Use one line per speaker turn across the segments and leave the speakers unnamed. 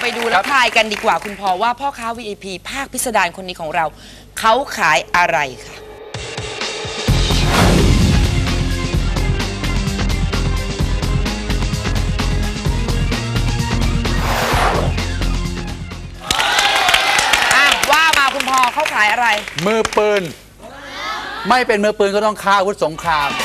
ไปดูและทายกันดีกว่าคุณพอว่าพ่อค้า VIP ภาคพิสดารคนนี้ของเราเขาขายอะไรค่ะว่ามาคุณพอเขาขายอะไร
มือปืนไม่เป็นมือปืนก็ต้องฆ่าอาวุธสงคราม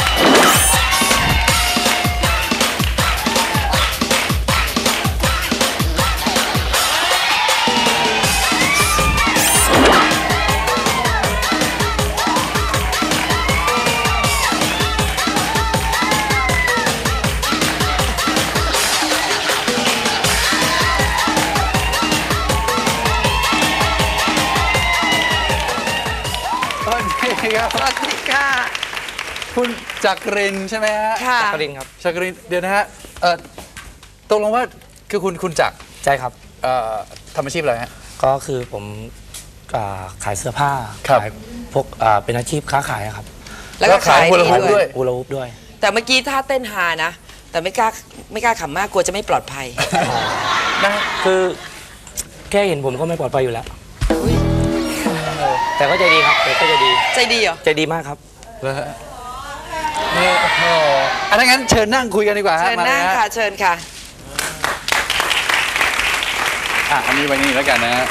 สวัสดีค่ะ
คุณจักรินใช่ไหมฮะ
ค่ะ
จักรินครับ
จักรินเดี๋ยวนะฮะตกลงว่าคือคุณจักร
ใช่ครับ
ทำอาชีพอะไรฮะ
ก็คือผมขายเสื้อผ้าขายพวกเป็นอาชีพค้าขายครับ
แล้วก็ขาย
ฮูลาฮู
ป
ด้วย
แต่เมื่อกี้ท่าเต้นฮานะแต่ไม่กล้าขำมากกลัวจะไม่ปลอดภัย
นะคือแค่เห็นผมก็ไม่ปลอดภัยอยู่แล้วแต่ก็ใจดีครับก็ใจดี
เหรอ
ใจดีมากครับ
อันนั้นเชิญนั่งคุยกันดีกว่า
เชิญนั่งค่ะเชิญค่ะ
อันนี้ไว้นี่แล้วกันนะฮะ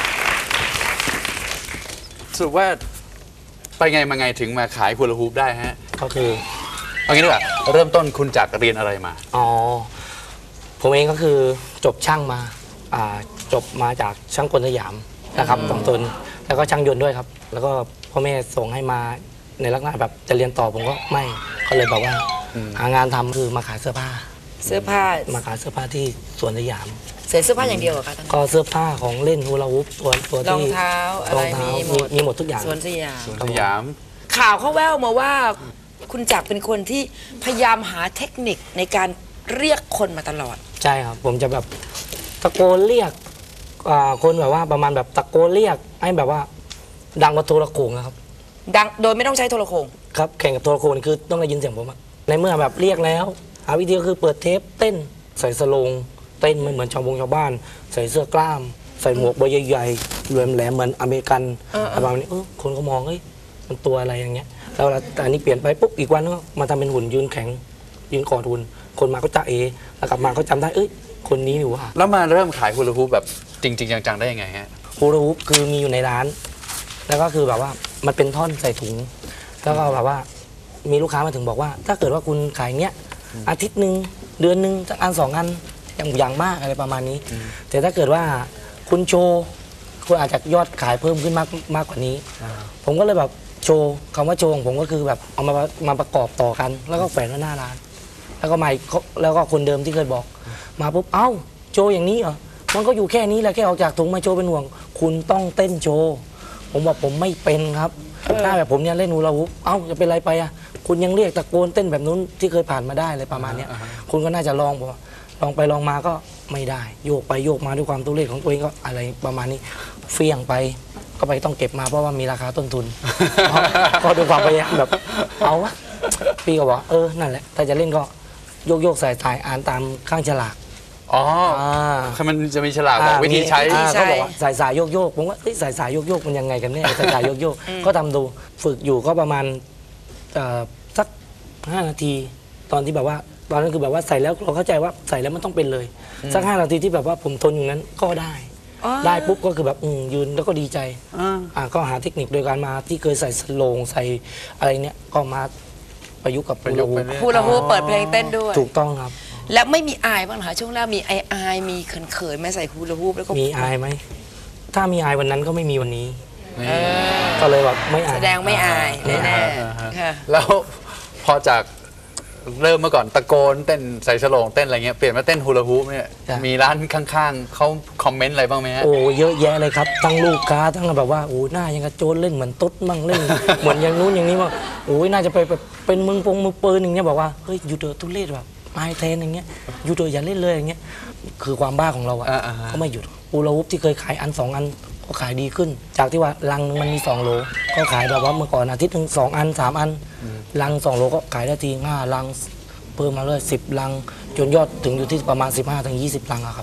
สรุปว่าไปไงมาไงถึงมาขายฮูลาฮูปได้ฮะ
ก็คือ
เอางี้ดีกว่าเริ่มต้นคุณจากเรียนอะไรมา
ผมเองก็คือจบช่างมาจบมาจากช่างกลสยามนะครับสองตนแล้วก็ช่างยนต์ด้วยครับแล้วก็พ่อแม่ส่งให้มาในลักษณะแบบจะเรียนต่อผมก็ไม่ก็เลยบอกว่าหางานทำคือมาขายเสื้อผ้ามาขายเสื้อผ้าที่สวนสยาม
เสื้อผ้าอย่างเดียวเหรอคะ
ก็เสื้อผ้าของเล่นฮูลาฮูปตัวที่
รองเท้าอะไร
มีหมดทุกอย่าง
สวนสยาม ข่าวเขาแว่วมาว่าคุณจักรเป็นคนที่พยายามหาเทคนิคในการเรียกคนมาตลอด
ใช่ครับผมจะแบบตะโกนเรียกคนแบบว่าประมาณแบบตะโกนเรียกให้แบบว่าดังกว่าโทรโขงนะครับ
ดังโดยไม่ต้องใช้โทรโขง
ครับแข่งกับโทรโขงคือต้องได้ยินเสียงผมในเมื่อแบบเรียกแล้วหาวิธีก็คือเปิดเทปเต้นใส่สโลงเต้นไม่เหมือนชาวบ้านใส่เสื้อกล้ามใส่หมวกใบใหญ่ๆแหลมเหมือนอเมริกันประมาณนี้คนก็มองเฮ้ยมันตัวอะไรอย่างเงี้ยแล้วอันนี้เปลี่ยนไปปุ๊บอีกวันก็มาทำเป็นหุ่นยืนแข็งยืนกอดหุ่นคนมาก็จะแล้วกลับมาก็จำได้คนนี้อยู่ว่า
แล้วมาเริ่มขายฮูลาฮูปแบบจริงๆจังๆได้ยังไงฮะ
ฮูลาฮูปคือมีอยู่ในร้านแล้วก็คือแบบว่ามันเป็นท่อนใส่ถุงแล้วก็แบบว่ามีลูกค้ามาถึงบอกว่าถ้าเกิดว่าคุณขายเงี้ยอาทิตย์หนึ่งเดือนหนึ่งสักอันสองอันอย่างมากอะไรประมาณนี้แต่ถ้าเกิดว่าคุณโชว์คุณอาจจะยอดขายเพิ่มขึ้นมากกว่านี้ผมก็เลยแบบโชว์คำว่าโชว์ของผมก็คือแบบเอามาประกอบต่อกันแล้วก็แฝงไว้หน้าร้านแล้วก็มาแล้วก็คนเดิมที่เคยบอกมาปุ๊บเอ้าโชว์อย่างนี้เหรอมันก็อยู่แค่นี้แหละแค่ออกจากถุงมาโชว์เป็นห่วงคุณต้องเต้นโชว์ผมบอกผมไม่เป็นครับหน้าแบบผมเนี่ยเล่นฮูลาฮูปจะเป็นไรไปคุณยังเรียกตะโกนเต้นแบบนู้นที่เคยผ่านมาได้อะไรประมาณนี้คุณก็น่าจะลองไปลองมาก็ไม่ได้โยกไปโยกมาด้วยความตัวเลขของตัวเองก็อะไรประมาณนี้เฟี้ยงไปก็ไปต้องเก็บมาเพราะว่ามีราคาต้นทุนก็ด้วยความพยายามแบบเอาวะพี่ก็บอกนั่นแหละถ้าจะเล่นก็โยกสายอ่านตามข้างฉลาก
คือมันจะมีฉลากบอกวิธีใช้
เขาบอกว่าสายโยกผมว่าสายโยกมันยังไงกันเนี่ยสายโยกก็ทำดูฝึกอยู่ก็ประมาณสัก5 นาทีตอนที่แบบว่าตอนนั้นคือแบบว่าใส่แล้วเราเข้าใจว่าใส่แล้วมันต้องเป็นเลยสัก5 นาทีที่แบบว่าผมทนอยู่นั้นก็ได้ปุ๊บก็คือแบบยืนแล้วก็ดีใจก็หาเทคนิคโดยการมาที่เคยใส่สโลงใส่อะไรเนี่ยก็มาประยุกต์กับ
ฮูลาฮูปเปิดเพลงเต้นด้วย
ถูกต้องครับ
แล้วไม่มีอายบ้างเหรอช่วงแรกมีอายมีเขินๆไม่ใส่ฮูลาฮูปแล้วก็
มีอายไหมถ้ามีอายวันนั้นก็ไม่มีวันนี้ก็เลยแบบไม่อาย
แสดงไม่อายแน่ๆ
แล้วพอจากเริ่มเมื่อก่อนตะโกนเต้นใส่ฉลองเต้นอะไรเงี้ยเปลี่ยนมาเต้นฮูลาฮูปเนี่ยมีร้านข้างๆเขาคอมเมนต์อะไรบ้างไหมฮะ
เยอะแยะเลยครับทั้งลูกค้าทั้งแบบว่าหน้ายังกระโจนเล่นเหมือนตุ๊ดมั่งเล่นเหมือนอย่างนู้นอย่างนี้มั่งน่าจะไปเป็นมือปืนอย่างเงี้ยบอกว่าเฮ้ยอยู่เถอะทุเรศแบบไม้เทนอย่างเงี้ยอยู่เถอะอย่าเล่นเลยอย่างเงี้ยคือความบ้าของเราก็ไม่หยุดฮูลาฮูปที่เคยขายอัน2 อันก็ขายดีขึ้นจากที่ว่าลังนึงมันมี2 โลก็ขายแบบว่าเมื่อก่อนอาทิตย์นึง2 อัน 3 อันลัง2 โลก็ขายได้ที5 ลังเพิ่มมาเลย10 ลังจนยอดถึงอยู่ที่ประมาณ15 ถึง 20 ลังครับ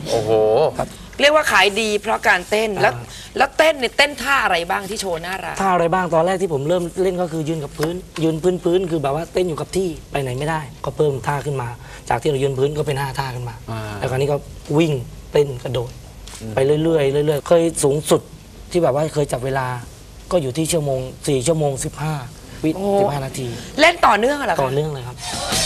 โอ้โห
เรียกว่าขายดีเพราะการเต้นแล้วเต้นเนี่ยเต้นท่าอะไรบ้างที่โชว์หน้าร้าน
ท่าอะไรบ้างตอนแรกที่ผมเริ่มเล่นก็คือยืนกับพื้น ยืนพื้นคือแบบว่าเต้นอยู่กับที่ไปไหนไม่ได้ ก็เพิ่มท่าขึ้นมา จากที่เรายืนพื้นก็เป็น5ท่าขึ้นมา แล้วคราวนี้ก็วิ่งเต้นกระโดดไปเรื่อยๆเรื่อยๆเคยสูงสุดที่แบบว่าเคยจับเวลาก็อยู่ที่4 ชั่วโมง 15 วิ
โอ้
15 นาที
เล่นต่อเนื่องเหรอคะ
ต่อเนื่องเลยครับ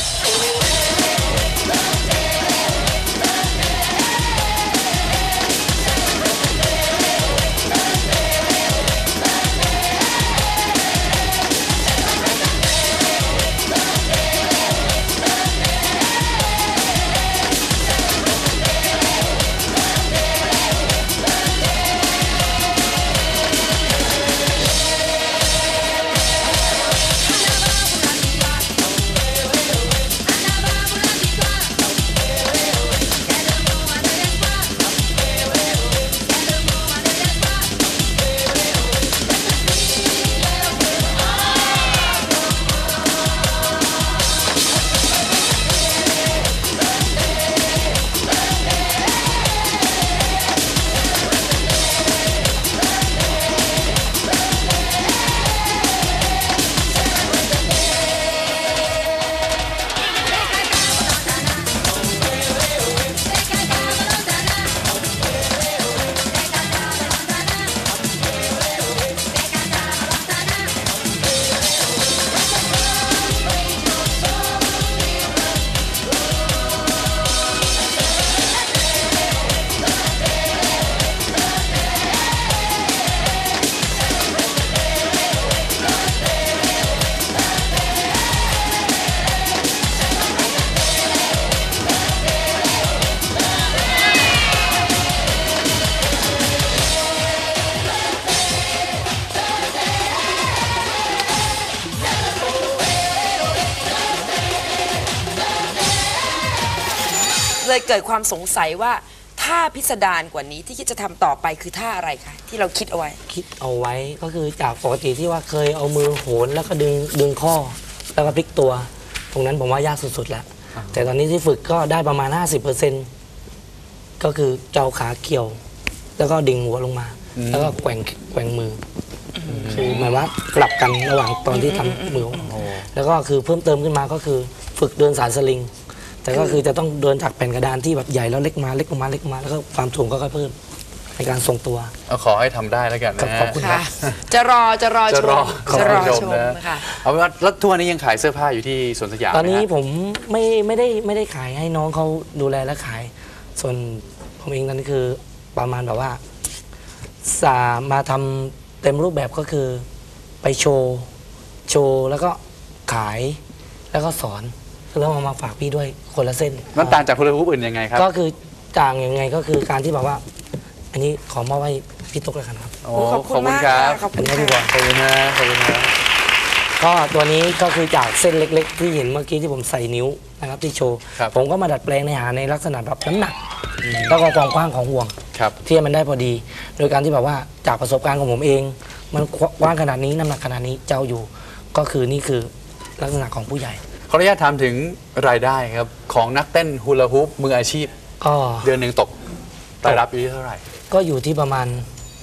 เลยเกิดความสงสัยว่าท่าพิสดารกว่านี้ที่คิดจะทำต่อไปคือท่าอะไรคะที่เราคิดเอาไว้
คิดเอาไว้ก็คือจากปกติที่ว่าเคยเอามือโหนแล้วก็ดึงข้อแล้วก็พลิกตัว ตรงนั้นผมว่ายากสุดๆแล้ว แต่ตอนนี้ที่ฝึกก็ได้ประมาณ 50%ก็คือเจ้าขาเกี่ยว แล้วก็ดิ่งหัวลงมา แล้วก็แกว่งมืออคือหมายว่ากลับกันระหว่างตอนที่ทำมือแล้วก็คือเพิ่มเติมขึ้นมาก็คือฝึกเดินสายสลิง แต่ก็คือจะต้องเดินจากแผ่นกระดานที่แบบใหญ่แล้วเล็กมาเล็กลงมาเล็กมาแล้วก็ความสูงก็ค่อยเพิ่มในการทรงตัว
ขอให้ทำได้แล้วกันนะ
ขอบคุณ
ค่ะ จะรอชม
จะรอ
ชม
นะ
นะคะ
เอาเป็นว่าแล้วทุกวันนี้ยังขายเสื้อผ้าอยู่ที่สวนสยาม
ตอนนี้
ไหมฮะ
ผมไม่ได้ขายให้น้องเขาดูแลและขาย ส่วนผมเองตอนนี้คือประมาณแบบว่ามาทำเต็มรูปแบบก็คือไปโชว์แล้วก็ขายแล้วก็สอนแล้วมาฝากพี่ด้วยคนละเส้น
มันต่างจากฮูลาฮูปอื่นยังไงครับ
ก็คือต่างยังไงก็คือการที่แบบว่า อันนี้ขอมอบให้พี่ตุ๊กเลยครับ
โอ้
ขอบคุณมาก
ครับ
ขอบคุณ
อันนี้ดีกว่า
ขอบคุณนะขอบคุณนะ
ก็ตัวนี้ก็คือจากเส้นเล็กๆ ที่เห็นเมื่อกี้ที่ผมใส่นิ้วนะครับที่โชว์
ครับ
ผมก็มาดัดแปลงในหาในลักษณะแบบน้ำหนัก แล้วก็ความกว้างของห่วง
ครับ
ที่ให้มันได้พอดี โดยการที่แบบว่าจากประสบการณ์ของผมเอง มันกว้างขนาดนี้น้ำหนักขนาดนี้เจ้าอยู่ ก็คือนี่คือลักษณะของผู้ใหญ่
ขออนุญาตถามถึงรายได้ครับของนักเต้นฮูลาฮูปมืออาชีพ
ก็
เดือนหนึ่งตกรายรับอยู่ที่เท่าไหร่
ก็อยู่ที่ประมาณ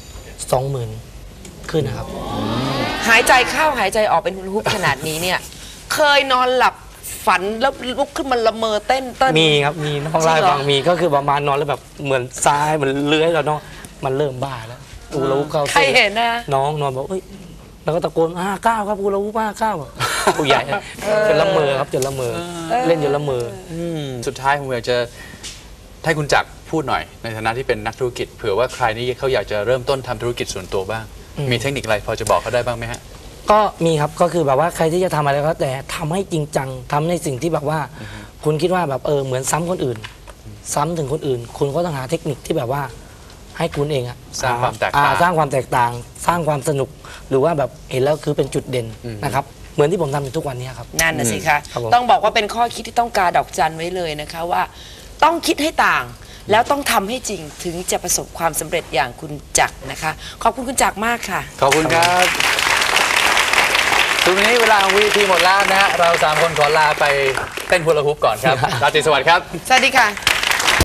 20,000 ขึ้นนะครับ
หายใจเข้าหายใจออกเป็นฮุลาฮูปขนาดนี้เนี่ย เคยนอนหลับฝันแล้วลุกขึ้นมาละเมอเต้น
มีครับมีน้องไล่าให้ฟังมีก็คือประมาณนอนแล้วแบบเหมือนซ้ายเหมือนเลื้อยแล้วเนาะมันเริ่มบ้าแล้วอูรูเข้า
ใครเห็นนะ
น้องนอนบอกเอ้ยแล้วก็ตะโกน59ครับอูรู59ผู้ใหญ่จนละเมอครับจนละเมอเล่นจนละเมอ
สุดท้ายผมอยากจะให้คุณจักรพูดหน่อย ในฐานะที่เป็นนักธุรกิจเผื่อว่าใครนี่เขาอยากจะเริ่มต้นทำธุรกิจส่วนตัวบ้าง มีเทคนิคอะไรพอจะบอกเขาได้บ้างไหมฮะ
ก็มีครับก็คือแบบว่าใครที่จะทำอะไรก็แต่ทำให้จริงจังทำในสิ่งที่แบบว่า คุณคิดว่าแบบเหมือนซ้ำคนอื่น ซ้ำถึงคนอื่น คุณก็ต้องหาเทคนิคที่แบบว่า ให้คุณเองอะ
สร้างความแตกต่าง
สร้างความแตกต่าง สร้างความสนุก หรือว่าแบบเห็นแล้วคือเป็นจุดเด่นนะครับเหมือนที่ผมทำอยู่ทุกวันนี้ครับ
นั่นน่ะสิคะ
ครับผม
ต้องบอกว่าเป็นข้อคิดที่ต้องการดอกจันไว้เลยนะคะว่า ต้องคิดให้ต่าง แล้วต้องทำให้จริงถึงจะประสบความสำเร็จอย่างคุณจักรนะคะ ขอบคุณคุณจักรมากค่ะ
ขอบคุณครับตรงนี้เวลาของวีทีหมดแล้วนะฮะเรา3 คนขอลาไปเต้นฮูลาฮูปก่อนครับ ราตรีสวัสดิ์ครับ
สวัสดีค่ะ